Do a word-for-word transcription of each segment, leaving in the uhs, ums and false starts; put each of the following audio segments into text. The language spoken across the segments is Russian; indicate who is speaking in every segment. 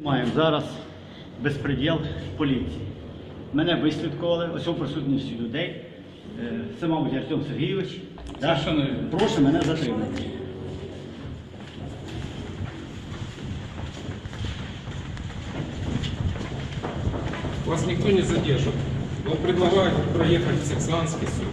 Speaker 1: Маємо зараз безпреділ поліції. Мене вислідкували, ось у присутності людей. Е, Це, мабуть, Артем Сергійович. Да? Прошу мене затримати.
Speaker 2: Вас никто не задержит. Вам предлагают проехать в Сексанский суд.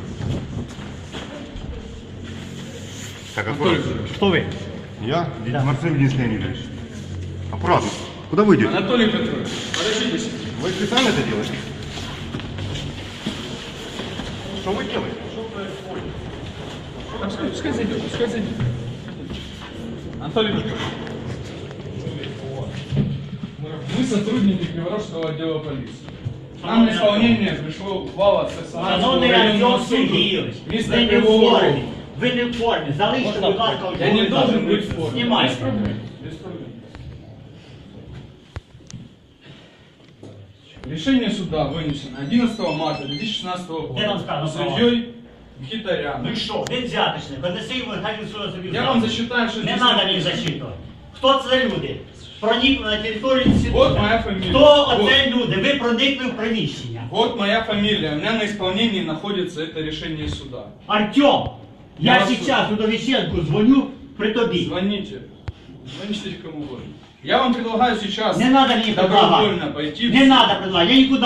Speaker 3: Так,
Speaker 2: Анатолий
Speaker 3: аккуратно.
Speaker 2: Петрович.
Speaker 1: Хто ви?
Speaker 3: Я Марцин Денис Леонидович. Аккуратно. Куда вы идете?
Speaker 2: Анатолий Петрович, подождите.
Speaker 3: Вы специально это делаете? Что вы делаете?
Speaker 2: А Пускай, пускай зайдет, пускай зайдет. Анатолий Петрович. Мы сотрудники Криворожского отдела полиции. Нам на исполнение пришло ухвала от Сексанского
Speaker 1: Шановний
Speaker 2: районного
Speaker 1: Артем
Speaker 2: суда.
Speaker 1: Сергійович, ви
Speaker 2: Місто
Speaker 1: не в
Speaker 2: Кривого
Speaker 1: формі.
Speaker 2: Рогу.
Speaker 1: Ви не в формі. Залиште, будь ласка,
Speaker 2: Я не должен быть в форме.
Speaker 1: Знімайте.
Speaker 2: Без проблем. Без проблем. Решение суда вынесено одиннадцатого марта две тысячи шестнадцатого года.
Speaker 1: Где нам сказано права?
Speaker 2: Судьей Мхитаряном.
Speaker 1: Ви що, він взяточник, понеси йому, хай він своє собі.
Speaker 2: Я вам засчитаю, что
Speaker 1: Не
Speaker 2: здесь
Speaker 1: треба мені
Speaker 2: написано.
Speaker 1: засчитувати. Хто це люди? Проникли на територію інституту.
Speaker 2: Вот моя фамилия.
Speaker 1: Хто
Speaker 2: Вот.
Speaker 1: оце люди? Ви проникли в приміщення.
Speaker 2: Вот моя фамилия. У меня на исполнении находится это решение суда.
Speaker 1: Артем,
Speaker 2: Я
Speaker 1: я
Speaker 2: вас
Speaker 1: зараз Удовиченку дзвоню при тобі.
Speaker 2: Звоните. Звоните кому угодно. Я вам предлагаю сейчас
Speaker 1: Не треба мені предлагати.
Speaker 2: добровольно пойти в
Speaker 1: Не треба предлагати, я нікуди